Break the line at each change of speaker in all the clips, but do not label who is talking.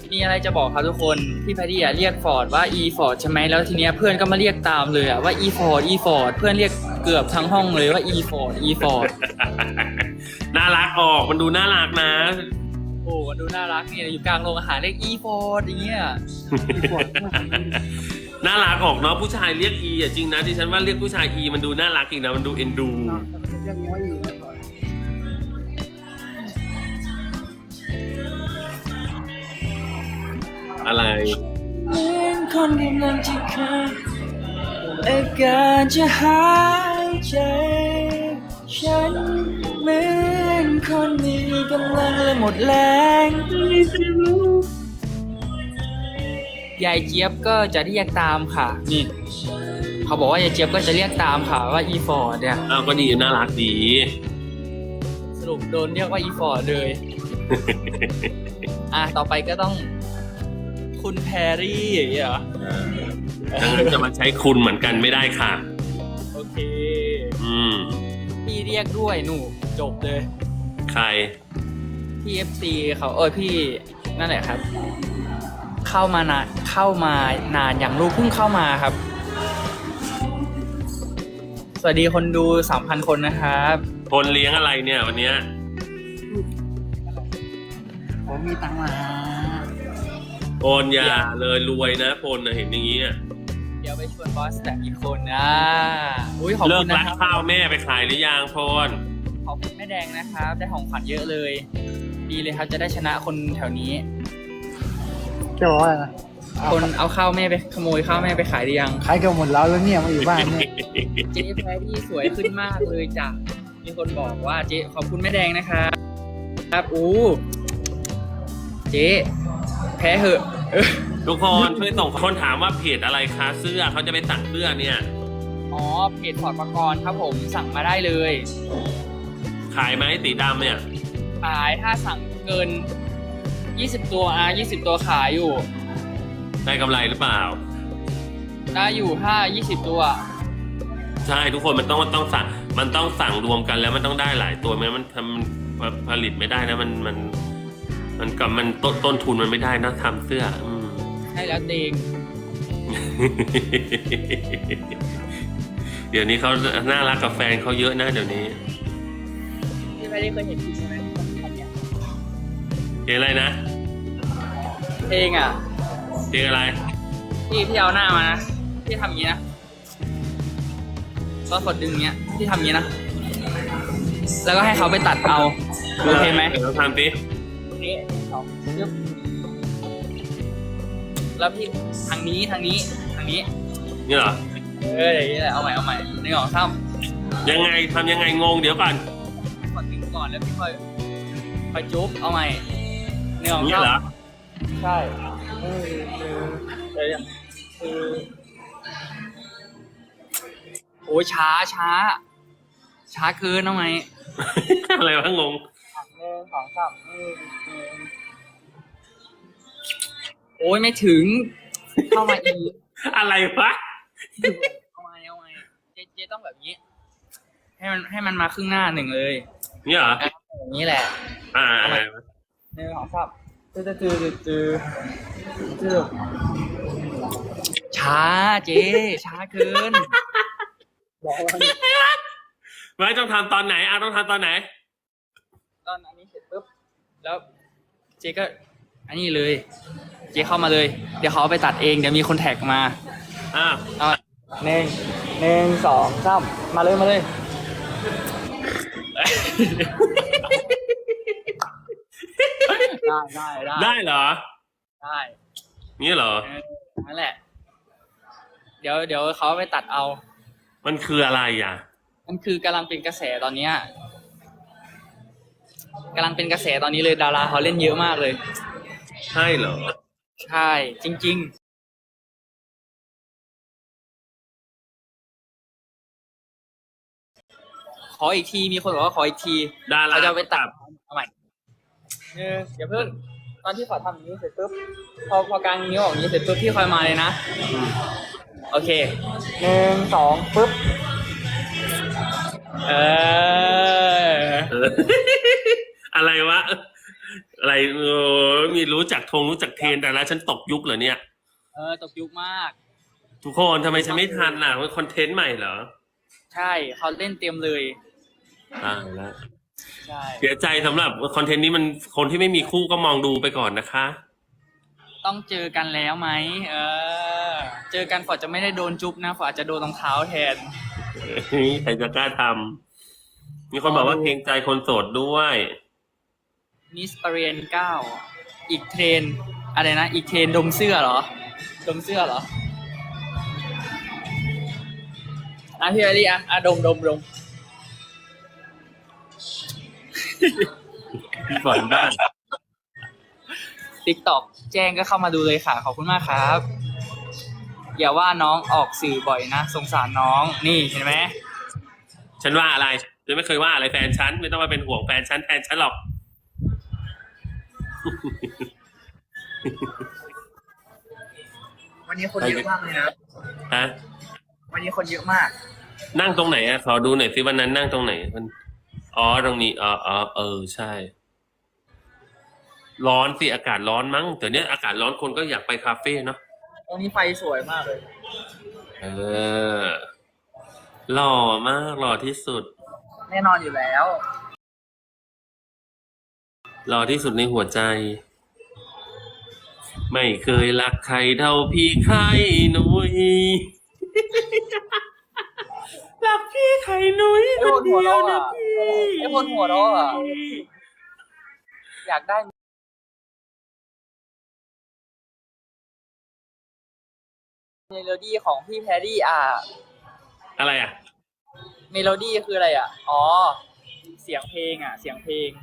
มีอะไรจะบอกครับทุกคนพี่แพดดี้เรียกฟอร์ดว่า e ฟอร์ดใช่ไหมแล้วทีเนี้ยเพื่อนก็มาเรียกตามเลยว่า e ฟอร์ด e ฟอร์ดเพื่อนเรียกเกือบทั้งห้องเลยว่า e ฟอร์ด e ฟอร์ด
น่ารักออกมันดูน่ารักนะ
โอ้ดูน่ารักเนี่ยอยู่กลางโรงอาหารเรียก e ฟอร์ดอย่างเงี้ย
น่ารักออกเนาะผู้ชายเรียกอีอ่ะจริงนะที่ฉันว่าเรียกผู้ชายอีมันดูน่ารักอีกนะมันดูเอ็นดูอะไร
เหมือนคนกำลังจะขาดอาการจะหายใจฉันเหมือนคนมีกำลังและหมดแรงยายเจี๊ยบก็จะเรียกตามค่ะนี่เขาบอกว่ายายเจี๊ยบก็จะเรียกตามค่ะว่าอีฟอร์ดเนี่ย
อ้าวก็ดีน่ารักดี
สรุปโดนเรียกว่าอีฟอร์ดเลย ต่อไปก็ต้องคุณแพรรี่อย่างเงี้ยเหรอ
ดังนั้นจะมาใช้คุณเหมือนกันไม่ได้ค่ะ
โอเค พี่เรียกด้วยหนูจบเลย
ใคร
พี่ FC เขาพี่นั่นแหละครับ เข้ามานานอย่างลูกเพิ่งเข้ามาครับ สวัสดีคนดู 3,000 คนนะครับ
คนเลี้ยงอะไรเนี่ยวันเนี้ย
ผมมีตังค์มา
โอนยาเลยรวยนะพลนะเห็นอย่างนี้อ่ะ
เดี๋ยวไปชวนบอสแต่อีกคนนะอุ้ยขอบ
เลิ
คุ
ก
ณ
รั
นะ
ก
ครับ
ข้าวแม่ไปขายหรือยังพล
ขอบคุณแม่แดงนะครับได้ของขวัญเยอะเลยดีเลยครับจะได้ชนะคนแถวนี้
จะบอกว่าอะไรนะ
คนเอาข้าวแม่ไปขโมยข้าวแม่ไปขายหรือยัง
ขายกันหมดแล้วเนี่ยมาอยู่บ้านเนี่ย
เจ๊แพรรี่สวยขึ้นมากเลยจ้ะมีคนบอกว่าเจ๊ขอบคุณแม่แดงนะครับครับเจ๊แพ้เหอะ
ทุกคนช่วยส่งคนถามว่าเพจอะไรคะเสื้อเขาจะไปสั่งเสื้อเนี่ย
อ๋อเพจฟอร์ดประกรณ์ครับผมสั่งมาได้เลย
ขายไหมสีดำเนี่ย
ขายถ้าสั่งเกิน20ตัว20ตัวขายอยู่
ได้กำไรหรือเปล่า
ได้อยู่ถ้า20ตัว
ใช่ทุกคนมันต้องสั่งมันต้องสั่งรวมกันแล้วมันต้องได้หลายตัวไม่งั้นมันผลิตไม่ได้นะมันกับมันต้นทุนมันไม่ได้นะทำเสื้อ
ใช่แล้วเตง
เดี๋ยวนี้เขาน่ารักกับแฟนเขาเยอะนะเดี๋ยวนี้
พี่ไม่ได้เคยเห็นใช่ไหม
เพลงอะไรนะ
เพลงอ่ะ
เพลงอะไร
พี่เอาหน้ามานะพี่ทำอย่างนี้นะก็กดดึงอย่างเงี้ยพี่ทำอย่างนี้นะแล้วก็ให้เขาไปตัดเอาโอเคไหม
เดี๋ยวเราทำสิ
ตรงนี้สองยึบแล้วพี่ทางนี้
นี่เหรอ
อย่างนี้แหละเอาใหม่1 2 3
ยังไงทำยังไงงงเดี๋ยวก่อน
กดดึงก่อนแล้วพี่คอยจุ๊บเอาใหม่1 2
นี่เหรอ
3ใช่โอ้ยช้าเกินเอาไหม
อะไรวะงง
1 2 3โอ้ยไม่ถึงเข้ามาอีก
อะไรวะ
เอาไหมเจ๊ต้องแบบนี้ ให้มันมาครึ่งหน้าหนึ่งเลย
นี่เหรอ
อย่างนี้แหละ
อะไรวะ
1 2 3ช้าเจ๊ช้าเกิน
ไม่ต้องทำตอนไหนต้องทำตอนไหน
ตอนอันนี้เสร็จปุ๊บแล้วเจ๊ก็อันนี้เลย เจ๊เข้ามาเลย เดี๋ยวเขาเอาไปตัดเองเดี๋ยวมีคนแท็กมาเอา1 2 3มาเลยได้
ได้เหรอ
ได้
นี่เหรอ
นั่นแหละ เดี๋ยวเขาไปตัดเอา
มันคืออะไรอ่ะ
มันคือกำลังเป็นกระแสตอนเนี้ยกำลังเป็นกระแสตอนนี้เลยดาราเขาเล่นเยอะมากเลย
ใช่เหรอ
ใช่จริงๆขออีกทีมีคนบอกว่าขออีกที
ดารา
เขาจะเอาไปตัดเอาใหม่อย่าเพิ่งตอนที่ขอทำอย่างนี้เสร็จปุ๊บพอกลางนิ้วออกอย่างนี้เสร็จปุ๊บพี่คอยมาเลยนะโอเค1 2ปุ๊บ
อะไรวะอะไรมีรู้จักรู้จักเทรนแต่ละฉันตกยุคเหรอเนี่ย
ตกยุคมาก
ทุกคนทำไมฉันไม่ทันล่ะมันคอนเทนต์ใหม่เหรอ
ใช่เขาเล่นเต็มเลย
ตายแล้ว
ใช่
เสียใจสำหรับคอนเทนต์นี้มันคนที่ไม่มีคู่ก็มองดูไปก่อนนะคะ
ต้องเจอกันแล้วไหมเจอกันฝอจะไม่ได้โดนจุ๊บนะฝออาจจะโดนรองเท้าแทน
ใครจะกล้าทำมีคนบอกว่าเกรงใจคนโสดด้วย
มิสเรียน9อีกเทรนอะไรนะอีกเทรนดมเสื้อเหรอดมเสื้อเหรอพี่แอลลี่ดม
พี่ฝนบ้าง
TikTok แจ้งก็เข้ามาดูเลยค่ะขอบคุณมากครับ อย่าว่าน้องออกสื่อบ่อยนะสงสารน้องนี่เห็นไหม
ฉันว่าอะไรฉันไม่เคยว่าอะไรแฟนฉันไม่ต้องมาเป็นห่วงแฟนฉันแทนฉันหรอก
วันนี้คนเยอะมากเลยนะ
ฮะ
วันนี้คนเยอะมาก
นั่งตรงไหนขอดูหน่อยสิวันนั้นนั่งตรงไหนมันตรงนี้ใช่ ร้อนสิอากาศร้อนมั้งแต่เนี้ยอากาศร้อนคนก็อยากไปคาเฟ่เนาะ
ตรงนี้ไฟสวยมากเลย
หล่อมากหล่อที่สุด
แน่นอนอยู่แล้ว
หล่อที่สุดในหัวใจ ไม่เคยรักใครเท่าพี่ไข่หนุย รักพี่ไข่หนุยคนเดียวนะพี่
ไอ้คนหัวเราะอะอยากได้เมโลดี้ของพี่แพรรี่
อะไร
เมโลดี้คืออะไรเสียงเพลงเสียงเพลง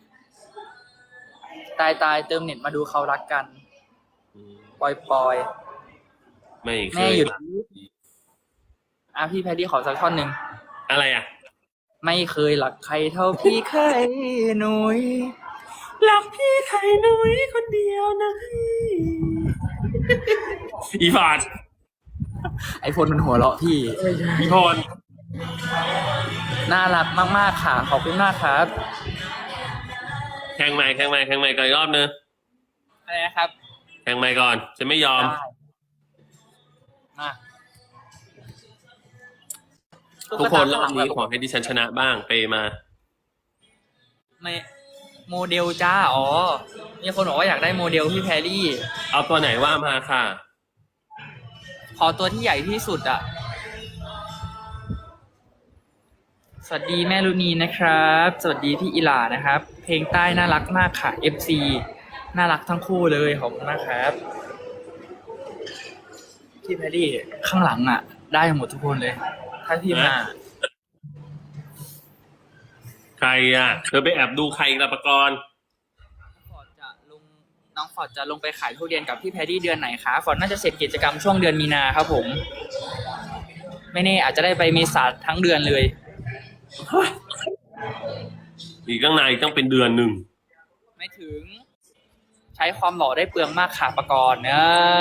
ตายเติมเน็ตมาดูเขารักกันปอย
ไม่เค
แม่
ย
หยุด
รัก
พี่แพรรี่ขอสักท่อนหนึ่ง
อะไร
ไม่เคยรักใครเท่าพี่ไข่หนุย
รักพี่ไข่หนุยคนเดียวนะพี่ อีฟาด
ไอพลมันหัวเราะพี่
อีพร
น่ารักมากๆค่ะขอบคุณมากครับ
แข่งใหม่ก่อนอีกรอบนึง
อะไรนะครับ
แข่งใหม่ก่อนจะไม่ยอม
มา
ทุกคนรอบนี้ขอให้ดิฉันชนะบ้างไปมา
ไม่โมเดลจ้ามีคนบอกว่าอยากได้โมเดลพี่แพรรี่
เอาตัวไหนว่ามาค่ะ
ขอตัวที่ใหญ่ที่สุดสวัสดีแม่ลุนีนะครับ สวัสดีพี่อิหลานะครับ เพลงใต้น่ารักมากค่ะ FC น่ารักทั้งคู่เลยขอบคุณมากครับพี่แพรรี่ข้างหลังได้หมดทุกคนเลย ถ้าพี่มา
ใครเธอไปแอบดูใครละปกรณ์
น้องฟอร์ดจะลงไปขายทุเรียนกับพี่แพรรี่เดือนไหนคะฟอร์ดน่าจะเสร็จกิจกรรมช่วงเดือนมีนาครับผม ไม่แน่อาจจะได้ไปเมษาทั้งเดือนเลย
อีกตั้งนานอีกต้องเป็นเดือนหนึ่ง
ไม่ถึง ใช้ความหล่อได้เปลืองมากค่ะปกรณ์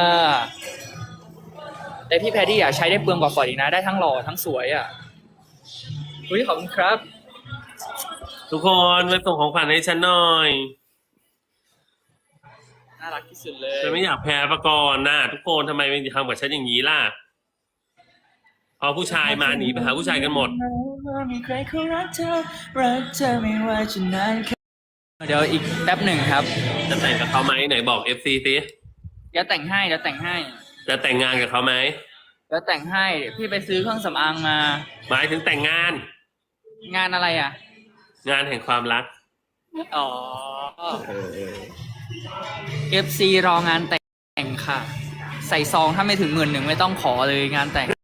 แต่พี่แพรรี่ใช้ได้เปลืองกว่าฟอร์ดอีกนะได้ทั้งหล่อทั้งสวยอุ้ยขอบคุณครับ
ทุกคนมาส่งของขวัญให้ฉันหน่อย
น่ารักที่สุดเลย
ฉันไม่อยากแพ้ปกรณ์ทุกคนทำไมไม่ทำกับฉันอย่างนี้ล่ะพอผู้ชายมาหนีไปหาผู้ชายกันหมด
มีใครเขารักเธอไม่ว่าจะนานแค่เดี๋ยวอีกแป๊บหนึ่งครับ
จะแต่งกับเขาไหมไหนบอก FC สิ
เดี๋ยวแต่งให้
จะแต่งงานกับเขาไหม
เดี๋ยวแต่งให้พี่ไปซื้อเครื่องสำอางมา
หมายถึงแต่งงาน
งานอะไร
งานแห่งความรัก
FC รองานแต่งค่ะ ใส่ซองถ้าไม่ถึง11,000ไม่ต้องขอเลยงานแต่ง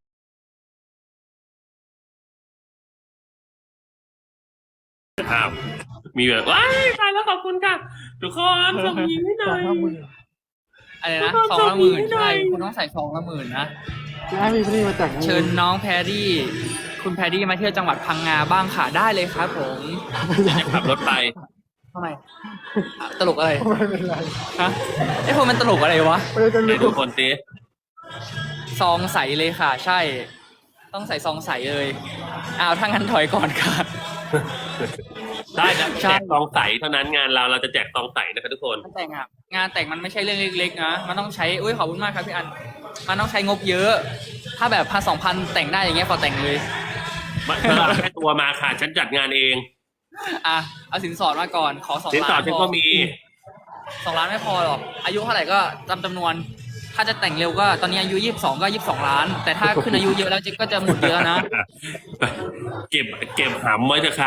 ครับมีแบบว้ายตายแล้วขอบคุณค่ะทุกคนส่งยิ้มให้หน่อย
อะไรนะซองละ10,000ใช่คุณต้องใส่ซองละ10,000นะ
ให้พี่มาจาก
เชิญน้องแพรรี่คุณแพรรี่มาเที่ยวจังหวัดพังงาบ้างค่ะได้เลยครับผม
จะขับรถไป
ทำไมตลกอะไร
ไม่เป็นไร
ฮะไอ้พวกมันตลกอะไรวะ
ไม่ได้
ให้ทุกคนตี
ซองใสเลยค่ะ ใช่ ต้องใส่ซองใสเลยถ้างั้นถอยก่อนค่ะ
ได้นะแจกซองใสเท่านั้นงานเราจะแจกซองใสนะครับทุกคน
งานแต่งอะงานแต่งมันไม่ใช่เรื่องเล็กๆนะมันต้องใช้อุ้ยขอบคุณมากครับพี่อันมันต้องใช้งบเยอะ ถ้าแบบ1,000-2,000แต่งได้อย่างเงี้ยขอแต่งเลย
เธอเอาแค่ตัวมาค่ะฉันจัดงานเอง
อ่ะเอาสินสอดมาก่อนขอ2
สินสอ
ล้า
ด
น
ฉัน
พ
ก็
อ
มี
2 ล้านไม่พอหรอกอายุเท่าไหร่ก็จำนวน ถ้าจะแต่งเร็วก็ตอนนี้อายุ22ก็22 ล้าน แต่ถ้าขึ้นอายุเยอะแล้วก็จะหมดเยอะนะ
เก็บหำไว้เถอะค่ะ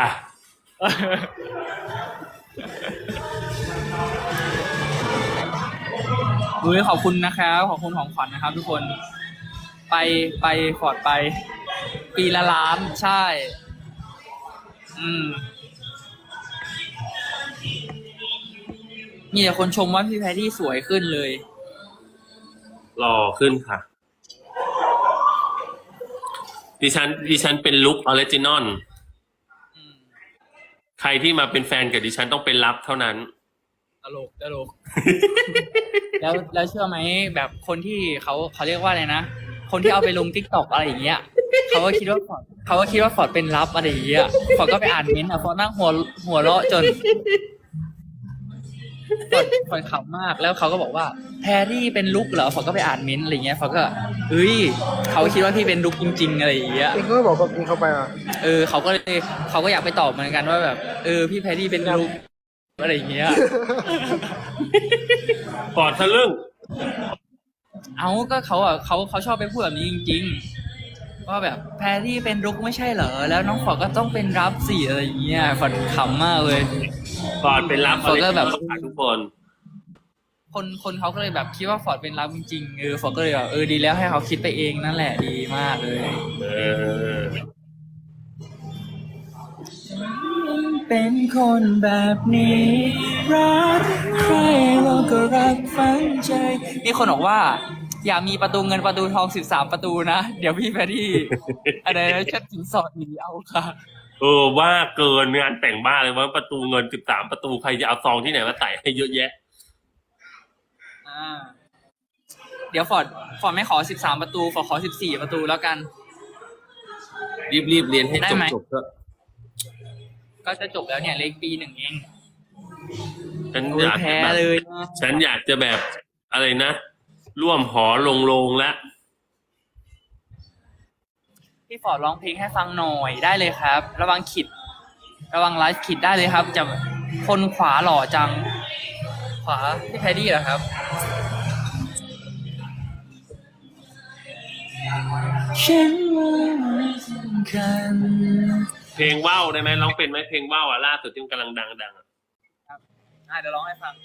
อุ้ยขอบคุณนะครับขอบคุณของขวัญนะครับ ทุกคนไปฟอร์ดไป ปีละล้านใช่ มีแต่คนชมว่าพี่แพรรี่สวยขึ้นเลย
รอขึ้นค่ะ ดิฉันเป็นลุคออริจินอลใครที่มาเป็นแฟนกับดิฉันต้องเป็นลับเท่านั้น
ตลก แล้วเชื่อไหมแบบคนที่เขาเรียกว่าอะไรนะ คนที่เอาไปลง TikTok อะไรอย่างเงี้ยเขาก็คิดว่าฟอร์ดเป็นลับอะไรอย่างเงี้ยฟอร์ดก็ไปอ่านเม้นต์อ่ะฟอร์ดนั่งหัวเราะจนฟอร์ดขำมากแล้วเขาก็บอกว่าแพรรี่เป็นลุกเหรอฟอร์ดก็ไปอ่านเม้นต์อะไรเงี้ยฟอร์ดก็เฮ้ยเขาคิดว่าพี่เป็นลุกจริงๆอะไรอย่างเงี้ย
เองก็บอกแบบนี้เข้าไปอ่ะ
เขาก็อยากไปตอบเหมือนกันว่าแบบพี่แพรรี่เป็นลุกอะไรอย่างเงี้ย
ปอดทะลึ่ง
เอาก็เขาชอบไปพูดแบบนี้จริงๆว่าแบบแพรรี่เป็นรุกไม่ใช่เหรอแล้วน้องฟอร์ดก็ต้องเป็นรับสิอะไรอย่างเงี้ยฟอร์ดขำมากเลย
ปอดเป็นลับ
ฟอร์ดก็แบบ
ค่ะทุกคน
คนเขาก็เลยแบบคิดว่าฟอร์ดเป็นรับจริงๆฟอร์ดก็เลยแบบดีแล้วให้เขาคิดไปเองนั่นแหละดีมากเลย เป็นคนแบบนี้รักใครเราก็รักฝังใจมีคนบอกว่าอย่ามีประตูเงินประตูทอง13 ประตูนะเดี๋ยวพี่แพรรี่อะไรนะชัดสินสอดหนีเอาค่ะ
ว่าเกินงานแต่งบ้าเลยว่าประตูเงิน13ประตูใครจะเอาซองที่ไหนมาใส่ให้เยอะแยะ
เดี๋ยวฟอร์ดไม่ขอ13 ประตูฟอร์ดขอ14 ประตูแล้วกัน
รีบเรียนให้
ได้ไหม
จบเถอะ
ก็จะจบแล้วเนี่ยเหลขปี 1เอง
ฉันอยาก
แพ้
แบบ
เลยนะ
ฉันอยากจะแบบอะไรนะร่วมหอลงแล้ว
พี่ฟอร์ดร้องเพลงให้ฟังหน่อยได้เลยครับ ระวังไลฟ์ขิดได้เลยครับจะคนขวาหล่อจังขวาพี่แพดดี้เหรอครับฉันว่าไม่สำคัญ
เพลงว่าวได้ไหมร้องเป็นไหมเพลงว่าวล่าสุดที่มันกำลังดังๆอะ
เดี๋ยวร้องให้ฟัง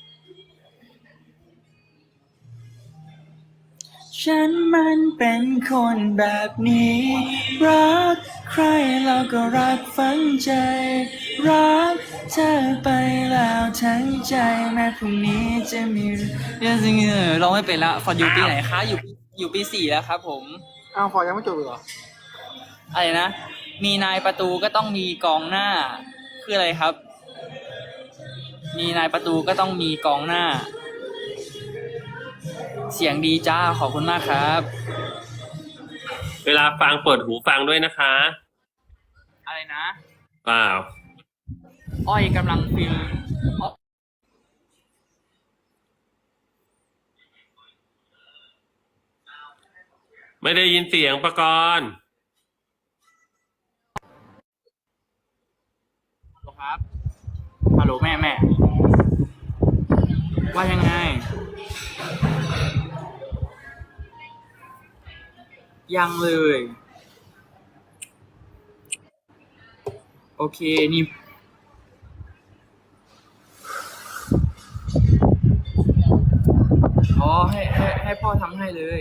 ฉันมันเป็นคนแบบนี้รักใครเราก็รักฝังใจรักเธอไปแล้วทั้งใจแม้พรุ่งนี้จะมีร้องไม่เป็นละฟอร์ดอยู่ปีไหนคะอยู่ปี 4แล้วครับผม
อ้าวฟอร์ยังไม่จบอีกเหรอ
อะไรนะมีนายประตูก็ต้องมีกองหน้าคืออะไรครับมีนายประตูก็ต้องมีกองหน้าเสียงดีจ้าขอบคุณมากครับ
เวลาฟังเปิดหูฟังด้วยนะคะ
อะไรนะ
เปล่า
อ้อยกำลังฟิล
ไม่ได้ยินเสียงประกรณ์
ครับฮัลโหลแม่ว่ายังไงยังเลยโอเคนี่อ๋อให้พ่อทำให้เลย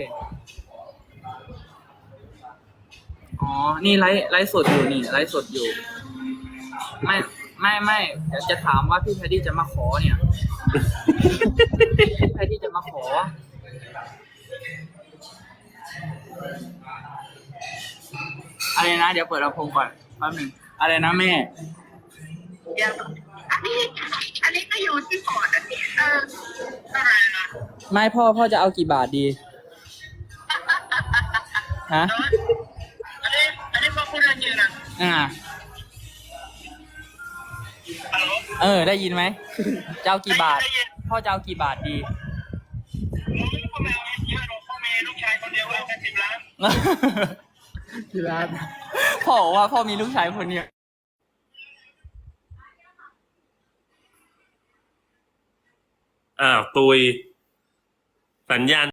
อ๋อนี่ไลฟ์สดอยู่นี่ไลฟ์สดอยู่ไม่เดี๋ยวจะถามว่าพี่แพดดี้จะมาขอเนี่ยพี่แพดดี้จะมาขออะไรนะเดี๋ยวเปิดลำโพงก่อนแป๊บหนึ่งอะไรนะแม่
อันนี้ก็อยู่ที่พอร์ตอันนี้อะไรนะ
ไม่พ่อจะเอากี่บาทดีฮะ
อันนี้พอพูดอะไรอยู่นะ
อ่า
อะไร
ได้ยินไหมจะเอากี่บาท พ่อจะเอากี่บาทดี
พ่อแม่เยอะหรอกพ่อแม่ลูกชายคนเดียวเอาแค่10 ล้าน
กี่ล้าน
พ่อบอกว่าพ่อมีลูกชายคนเดียว
อ้าวตุยสัญญาณ